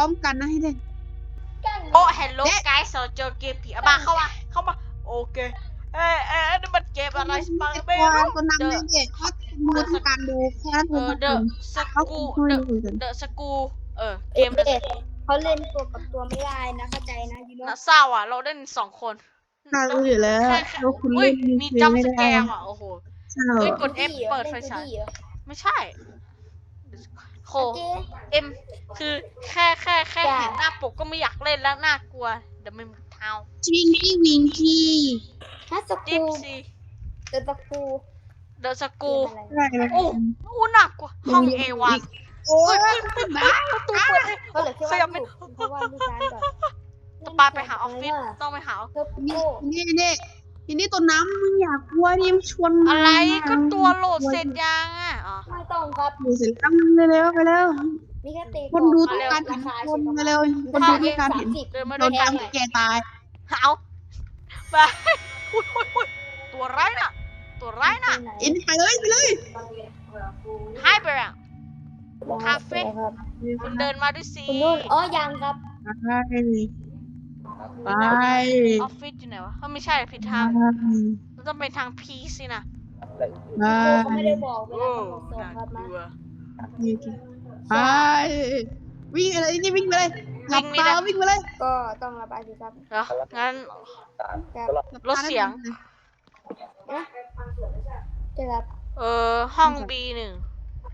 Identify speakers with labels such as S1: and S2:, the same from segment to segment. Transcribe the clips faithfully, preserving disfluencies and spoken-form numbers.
S1: ร้อมกันนะให้ได้
S2: โอ้เฮลโลไกด์เราเจอเกมผีอะมาเข้ามาเข้ามาโอเคเอ๊ะเอ๊ะนี่มันเกมอะไรมาไม่รู้
S1: ตัวนำเลยเนี่ยก็ดูทำการดูแค่นั้น
S2: เออเดอะส
S1: เขา
S2: กู
S1: คุย
S2: เดอะ
S1: คุยกัน
S2: เดอะสกูเออเก
S3: เอ๊ะ
S2: ม
S3: เขาเล่นตัวกับตัวไม่ได้นะเข้าใจนะยูโน่
S2: น่าเศร้าอ่ะเราเล่นสองคน
S1: น่ารู้อยู่แล้ว
S2: แค่แค่
S1: เราคุณ
S2: อุ้ย
S1: เล่น
S2: มี
S1: เกม
S2: จัม
S1: ไม่
S2: ป์ส
S1: ได้
S2: แกมอ่ะโอ้โห
S1: ใช่
S2: เอ้ยกด F เปิดไฟฉายไม่ใช่โคเอ็มคือแค่แค่แค่เห็นหน้าปกก็ไม่อยากเล่นแล้วน่ากลัวเดี๋ยวมันเท้า
S1: วิงกี้วิงกี้
S3: ฮัส
S2: ดิ
S3: กู
S2: ฟซี
S3: เดอะสกู
S2: เดอะสกู
S1: ใช่แล้ว
S2: โอ้โหหนักกว่าห้องเอวัน
S1: โอ้ย
S2: บ้าประตูเปิด
S3: เขาเหลือแค่
S2: ข
S3: ว่า
S2: ยับไม่
S3: เพราะว่าลูกค้าก่อน
S2: ต้องไปหาออฟฟิศต้องไปหา
S3: เธอ
S1: นี่
S3: โก้
S1: นี่นี่ทีนี้ตัวน้ำมึงอยากกลัวนี่มันชวน
S2: อะไรก็ตัวโหลดเสร็จยังอ่ะอ๋อ
S3: ไม่ต้องครับ
S1: ดูเสร็จแล้วเร็วๆไปแล้ว
S3: มีแค่ตี
S1: คนดูต้องการเห็นคนมาเร็วคนดูต้องการเห็น
S2: เดินมา
S1: โด
S2: ด้วย
S1: น
S2: กัน
S1: จำแกตาย
S2: หาวไปอุ้ยอุ้ยอุ้ยตัวร้ายน่ะ ตัวร้ายน่ะ
S1: อินไปเลยไปเลย
S2: ให้ไปอ่ะ คาเฟ่
S3: ครับ
S2: คุณเดินมาด้วยสิ
S3: คุณนุ่นอ๋อยังครับ
S1: ไปไป
S2: ออฟฟิศอยู่ไหนวะเฮ้ยไม่ใช่ผิดทางเราต้องไปทางพีสินะ
S1: ไป
S3: เขาไม่ได้บอกเว
S2: โอ้
S3: ลาเขาส่ง
S2: น่า
S3: ครับ
S2: ก
S3: มา
S2: ลัว
S1: ไปวิ่งอะไรนี่วิ่งไปเลยหลับตาวิ่งไปเลย
S3: ก็ต้องระบายสิครับ
S2: เดี๋ยวงั้น
S3: ครับ
S2: ลดเสียง
S3: นะจะรับ
S2: เออห้อง บี หนึ่ง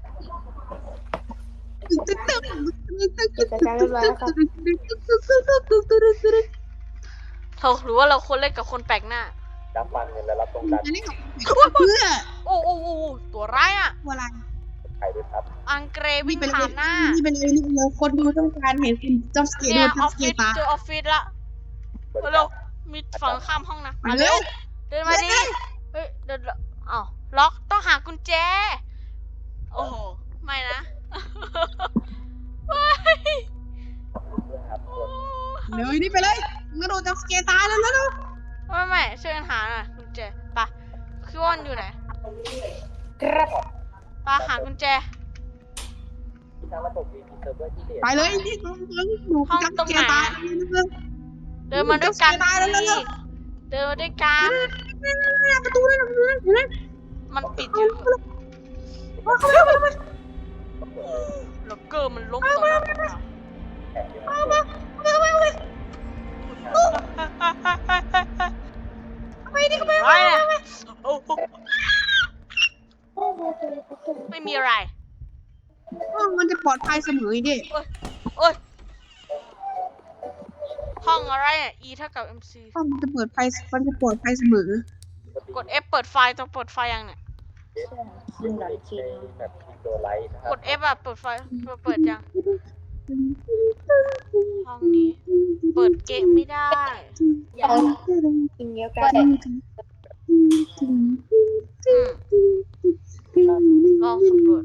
S1: ตึ๊ดตึ๊ด
S3: กิจการเรียบร้อยแล้วครับ
S2: เราหรือว่าเราควรเล่นกับคนแปลกหน้า
S4: รับฟังเงินและรับตรงกัน
S1: อันนี้เพื่อ
S2: โอ้โอ้โอ้ตัวร้ายอ่ะ
S1: อะไร
S4: ไข่ด้วยครับ
S2: อังเกร
S1: วิ่
S2: วิ่
S1: ง
S2: ง
S1: ไปเล
S2: ผ่าย นหน้า
S1: นี่เป็นเลยนี่เป็นเลยคนดูต้องการเห็นคุณจับสเกต
S2: เนี่
S1: โด
S2: ย
S1: น
S2: อ
S1: จั
S2: อบ ฟ
S1: สเก
S2: ฟิ
S1: ต
S2: ศ
S1: ตา
S2: เจอออฟฟิศละเร็วมีฝั่งข้ามห้องนะมาเร็วเดินมาดิเฮ้ยเดินอ้าวล็อกต้องหากุญแจโอ้โหไม่นะไม่
S4: ครับส่วน
S1: เดี๋ยวนี่ไปเลยมึงโดนจับสเกตตายแล้วแล้ว
S2: ไม่ไม่ช่วยกันหาหน่อยกุญแจปะพี่ว่านอยู่ไหน
S3: ครับ
S2: ปะหากุญแจ
S4: ทางระบบมีเซิร์ฟเวอร์ที่เด่น
S1: ไปเลยนี่ตรงตรงดูจับสเกตตาย
S2: เดินมาด้วยกัน
S1: ตายแล้วแล้ว
S2: สิเดินมาด้วยกัน
S1: ประตูนั่นนั่น
S2: มันปิดอยู่
S1: เข้าไปเข้าไปเข้าไป
S2: แล้วเกอร์มันล้มต่อหน้าต่อตา
S4: แข่งอยู่
S1: เข้าไปเข้าไปเข้าไป ไปดิเข้าไป
S2: ไรอะโอ้โหไม่มีอะไร
S1: ห้องมันจะปลอดภัยเสมอดิ
S2: โอ้ยห้องอะไรอ่ะ E เท่ากับ mc
S1: ห้องมันจะเปิดไฟมันจะปลอดภัยเสมอก
S2: ด F เปิดไฟต้องเปิดไฟยังเนี่ย
S3: ซึ่งหลังที
S4: ในแบบทีโดไลท์นะครั
S2: ก
S4: บ
S2: ด F อ่ะเปิดไฟเปิดเปิดยังห้องนี้ เปิดเกมไม่ได้
S3: เอากินเยอะกัน
S2: อืมลองสำรวจ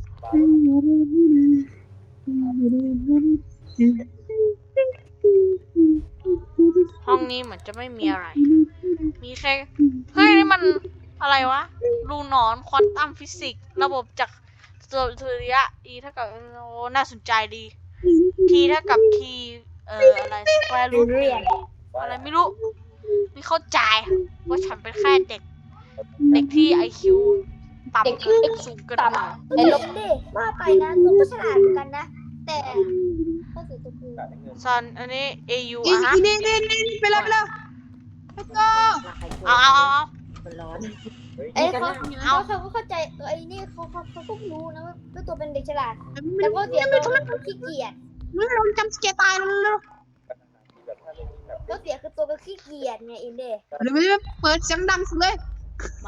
S2: ห้องนี้เหมือนจะไม่มีอะไร มีแค่เฮ้ยนี่มันอะไรวะรูนอนควอนตัมฟิสิกส์ระบบจากสุริยะ E เท่ากับโอ้น่าสนใจดี T เท่ากับ T เอ่ออะไรสแควร์รูทอะไรไม่รู้ไม่เข้าใจว่าฉันเป็นแค่เด็ก เด็กที่ ไอ คิว ต่ำเกินสูงเกินไป
S3: ไอ้ลบดิว่าไปนะตัวก็ฉลาดเหมือนกันนะ แต่ก็คือตัวคือ
S2: ซันอันนี้ เอ ยู
S1: อี
S2: อ่ะฮะ
S1: นี่นี่นี่ไปแล้วไปแล้วไปก็
S2: เอาเอาเอาเอา
S3: ไอ้เขาเขาเขาก็เข้าใจตัวไอ้นี่เขาเขาเขาก็รู้นะว่าตัวเป็นเด็กฉลาด
S1: มั
S3: แต่
S1: น
S3: ก็เสียตัวเป็นขี้เกียจ
S1: มันลงจำสเกตตายแล้วแล้ว
S4: แบบถ้าไม่มีแบบ
S3: ก็เสียคือตัวเป็นขี้เกียจไงอินเด
S1: เดี๋ยวไม่เปิดเสียงดังสุดเลย
S2: มา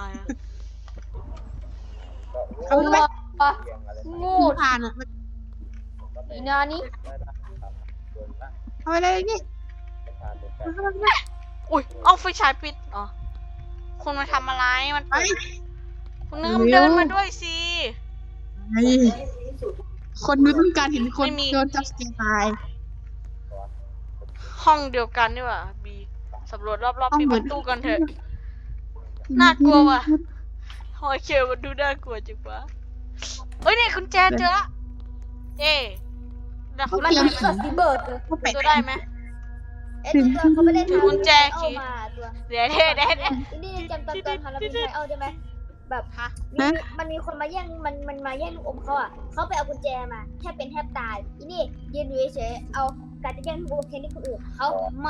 S4: ก็
S1: เอาไป
S4: เรียงอะไร
S3: งู
S1: ผ่านอ่ะ
S3: อีนานี่
S4: ได้ละครับโดนละ
S1: เอาไปเลยนี่
S4: ประธานโดนกัน
S1: เข้าไป
S2: อุ้ยเอาไฟฉายปิดอ๋อคุณมาทำอะไรมัน
S1: ไป
S2: เปิดคุณนึกเดินมาด้วยสิ
S1: คนดูต้องการเห็นคนโดนจับสเกตตาย
S2: ห้องเดียวกันนี่หว่าบีสำรวจรอบๆปิดประตูกันเถอะ น่ากลัวว่ะ โอเคมันดูน่ากลัวจังวะเฮ้ยนี่คุณแจเจอละเอ๊แล้วเขา
S3: มัน
S2: ได้
S3: เป็น
S2: ไหม
S3: ตัวสีเบิร์ดเลย
S1: เขาแปะ
S2: ตัวได้ไหม
S3: ไอ้ตัวเขาไม่ได้ทำ
S2: กุญแจ
S3: เอา
S2: คีย์
S3: มาตัว
S2: เดี๋ยวเดี๋ยวเดี๋ยวเดี๋ยว
S3: อินนี่จำตอนตอนทำเราเป็นไทเอาได้ไหมแบบ
S2: ฮะ
S3: มีมันมีคนมาแย่งมันมันมาแย่งลูกอมเขาอ่ะเขาไปเอากุญแจมาแทบเป็นแทบตายอินนี่ยืนอยู่เฉยๆเอาการจะแย่งลูกอมแทนที่คนอื่นเขาไม่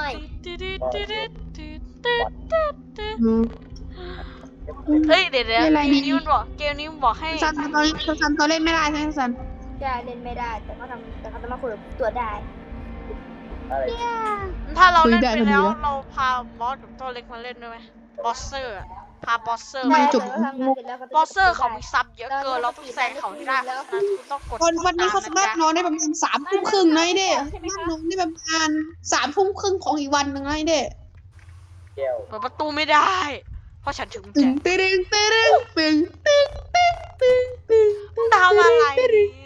S1: อืม
S2: เฮ้ยเดี๋ยวเดี๋ยว
S1: ไม่เป็นไร
S2: เกมนี้มันบอกเกมนี้มันบอกให้
S1: ซันตอนนี้ซันตัวเล่นไม่ได้ใช่ไหมซัน
S3: จะเล่นไม่ได้แต่เขาทำแต่เขาจะมาคุยกับตัวได้
S4: อะไร
S2: ถ้าเราเล่น
S1: คุยได้
S2: ไป
S1: พอดี
S2: แล้ว
S1: แล้ว
S2: เราพาบอสกับตัวเล็กมาเล่นด้วยไหมบอสเซอร์อะพาบอสเซอร์
S1: ไม่
S2: มา
S1: จบ
S3: แต่เขาทำงานเสร็จแล้วเขาจะ
S2: บอสเซอร์เขามีซับเยอะเกินเราต้องแซงเขาให้ได้เพราะฉะนั้นคุณต้องกด
S1: วันวันนี้เขาสามารถนอนได้ประมาณสามทุ่มครึ่งนะไอ้เด้
S3: ใช่ไหม
S1: สามารถ
S3: คะ
S1: นอนได้ประมาณสามทุ่มครึ่งของอีกวันหนึ่งนะไอ้เด้
S4: แก้ว
S2: เปิดประตูไม่ได้ เพราะฉันถึงกุญ
S1: ตึ
S2: แจ
S1: งตึงตึงตึงตึงตึงตึงตึงตึง
S2: ทำอะไร
S1: ตึง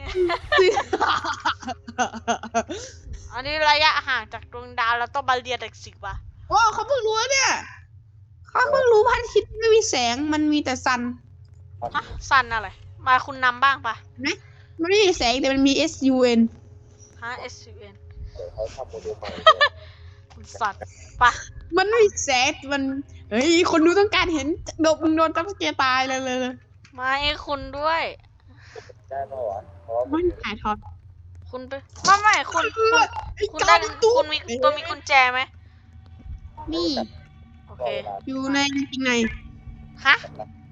S2: อันนี้ระยะห่างจากดวงดาวเราต้องมาเรียนเด็กสิบว่ะ
S1: โอ้เขาเพิ่งรู้เนี่ยเขาเพิ่งรู้พระอาทิตย์ไม่มีแสงมันมีแต่ซัน
S2: ฮะสันอะไร มาคุณนำบ้างปะ
S1: มันไม่มีแสงแต่มันมี S U N
S2: ฮะ S U N
S4: เดี๋ยวเขาทำโมเดลใหม่
S2: คุณสันปะ
S1: มันไม่มีแสงมันเฮ้ยคนดูต้องการเห็นโดนมึงโดนจับสเกตายเลยเลยเลย
S2: มาให้คุณด้วย
S4: ได้ปะวะเพราะว่า
S1: มันถ่ายทอด
S2: คุณไปไม่ไม่คุณคุณ
S1: ไอ้
S2: คุณ
S1: กา
S2: ได้
S1: ประตู
S2: คุณมีตัวมีกุญแจไหม
S1: นี่
S2: โอเค
S1: อยู่ในจริงใน
S2: ฮะ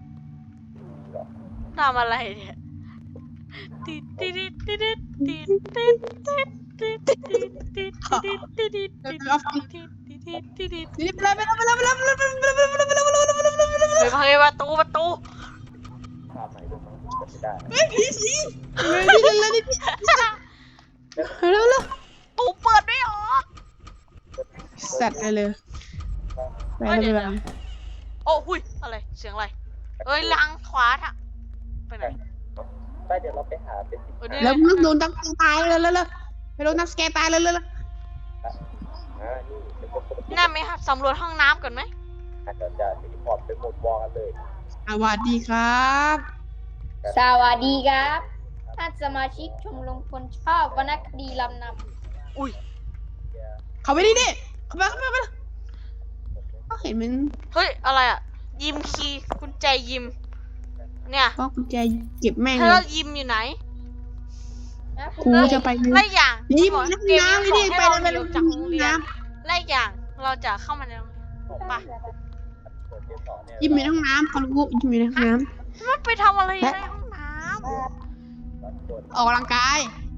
S2: ทำอะไรเนี่ยติดติดติดติดติดติดติดติดติดติดติดติดติดติดติดติดติดติด
S1: นี่ไปแล้วไปแล้วไปแล้วไปแล้วไปแล้วไปแล้วไปแล้วไปแล้วไปแล้วไปแล้วไปแล้วไปแล้ว
S2: เฮ้ยเฮ้ยประตูประตู
S4: ภาพใหม่ดูมั้งจะไม่ได้
S1: เฮ้ยผีสิเลยนี่เลยนี่เร็วเร็ว
S2: ตูเปิดไม่ออก
S1: สัตว์เลยเลยไปเลยไปเลย
S2: โอ้หุยอะไรเสียงอะไรเอ้ยล้างขวาทะไปไหน
S4: ไปเดี๋ยวเราไปหาเป็นสิบ
S2: เออนี่
S1: แล้วมึงโดนจับตายเลยเลยเลยไปโดนจับสเกตตายเลยเลย
S4: อ่านี่เดี๋ยวผม
S2: น่าไหมครับสำรวจห้องน้ำก่อนไหม
S4: อาจจะจะรีพอร์ตไปหมดวอกันเลย
S1: สวัสดีครับ
S3: สวัสดีครับท่านสมาชิกชมรมคนชอบวรรณคดีลำน
S2: อุ้ย
S1: เขาไปดิดิเขาไปเขาไปเขาเขาเห็นมัน
S2: เฮ้ยอะไรอ่ะยิมคีย์กุญแจยิมเนี่ย
S1: ก็กุญแจเก็บแม่ง
S2: ถ้า
S1: เล
S2: เรา
S1: ย
S2: ยิมอยู่ไหน
S3: ำนะ
S1: กูจะไป
S2: ไล่อย่าง
S1: ยิม
S2: บอก
S1: ในห้อง
S2: เกม
S1: น้ำ
S2: นี้
S1: เลย
S2: ขอ
S1: ดิ
S2: ให้
S1: ไป
S2: เรา
S1: เลยไปเลย
S2: หนีออกจากโรงเรียน
S1: น้
S2: ไล่อย่างเราจะเข้ามาในโรงเรียนปะ
S4: เปิดเกมต่อเนี่ย
S1: ำยิมในห้องน้ำเขารู้ยิมในห้องน้
S2: มันไปทำอะไรในห้องน้
S4: รับกด
S1: ำออกกำลังกาย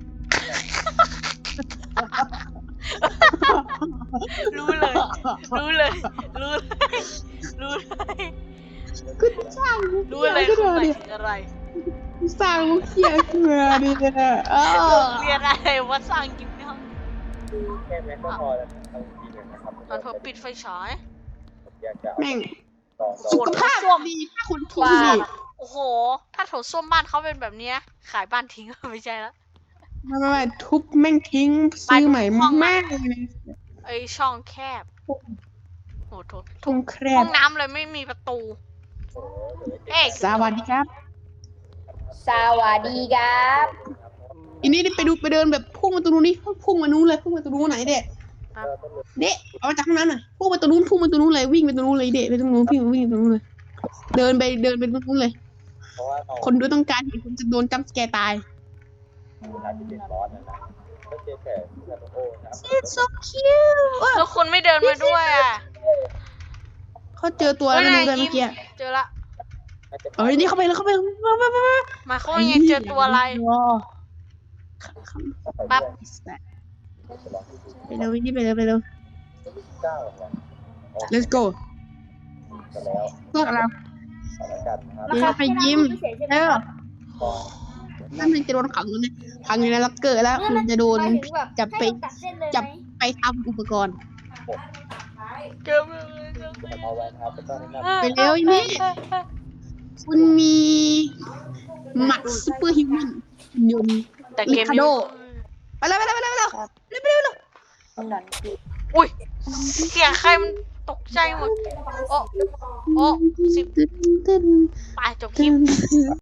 S2: ำรู้เลย รู้เลย รู้เลย รู้เลย
S1: กูสร้างมุก
S2: รู้
S1: เขีย
S2: เลย
S1: ขึ้น
S2: คุณ
S1: มา
S2: หมาย
S1: ดิ
S2: ถึงอะไร
S1: สร้างมุกเขียขึ้นมาดิเนี่ยเอ
S2: โร
S1: อง
S2: เรียนอะไรว่าสร้างยิมในห้อง
S4: แค่แม็กก็พอแล้วเอาจริงๆนะครับ
S2: ตอนเธอปิดไฟฉาย
S4: อยากจะ
S1: แม่ง
S4: ลอง
S1: สุขภาพดีถ้าคนทุกข์ดี
S2: โอ้โห ถ้าโถส้วมบ้านเขาเป็นแบบเนี้ยขายบ้านทิ้ง ไม่ใช่ละ
S1: ไม่ไม่ไม่ทุบแม่งทิ้งซื้อใหม่
S2: ห้องน้ำ
S1: แม่งเลย
S2: ไอช่องแคบโอ้โห
S1: ทุ่งแคร
S2: ห้อบ งน้ำเลยไม่มีประตู เอ๊ะ
S1: สวัสดีครับ
S3: สวัสดีครับ
S1: อันนี้ไปดูไปเดินแบบพุ่งมาตรงนู้นนี่พุ่งมานู้นเลยพุ่งมาตรงนู้นไหนเด็กเด็กเอามาจากข้างนั้นหน่อยพุ่งมาตรงนู้นพุ่งมาตรงนู้นเลยวิ่งไปตรงนู้นเลยเด็กไปตรงนู้นพี่วิ่งไปตรงนู้นเลย เดินไปเดินไปตรงนู้นเลย
S4: เพราะว่าเรา
S1: คนดูต้องการเห็นคนจะโดนจัมป์สแกร์ตาย
S4: เวลาที่เป็นบอสนะนะก็เจอแต่ซาโนโอนะครับ
S1: It's so cute เอ้ย
S2: แล้วคุณไม่เดินมาด้วยอ่ะ
S1: เขาเจอตัวแล้วนะเลยเมื่อกี้
S2: เจอละ
S1: เอ้ยนี่เข้าไปแล้วเข้าไปมามามา
S2: หมายความว่าไงเจอตัวอะไร ปั๊บ
S1: ไปเร็วนี่ไปเร็วไปเร็ว
S4: เก้า
S1: let's go
S4: ไปแล้ว
S1: พวกเรา
S4: สถานการณ์นะครับ
S1: เดี๋ยวไปยิ้ม
S3: พิเศษใช่ไหม
S1: เออ
S3: ครับ
S1: นั่นมันจะโดนขังอยู่ในขังอยู่ในล็อกเกอร์แล้วมันจะโดน
S3: หมายถึงแบบ
S1: จับไป
S3: ให้เราตัดเส้นเลย
S1: จับ
S3: ไหม
S1: ไปทำอุปกรณ์
S2: เกิดอะไร
S4: เอาไว้นะครับก็ต้องแนะนำ
S1: ไปเร็วนี่ คุณมีหมัดซูเปอร์ฮิวแมนยนต์
S2: แต่เกม
S1: ลิคา
S2: นี้
S1: โด ไปแล้วไปแล้วไปแล้วไปแล้วไปแล้วไปแล้ว
S2: อุ้ย เสียงใครมันตกใจหมด โอ้ โอ้ สิบ
S1: ตึ๊ดตึ๊ด
S2: ตายจบคลิป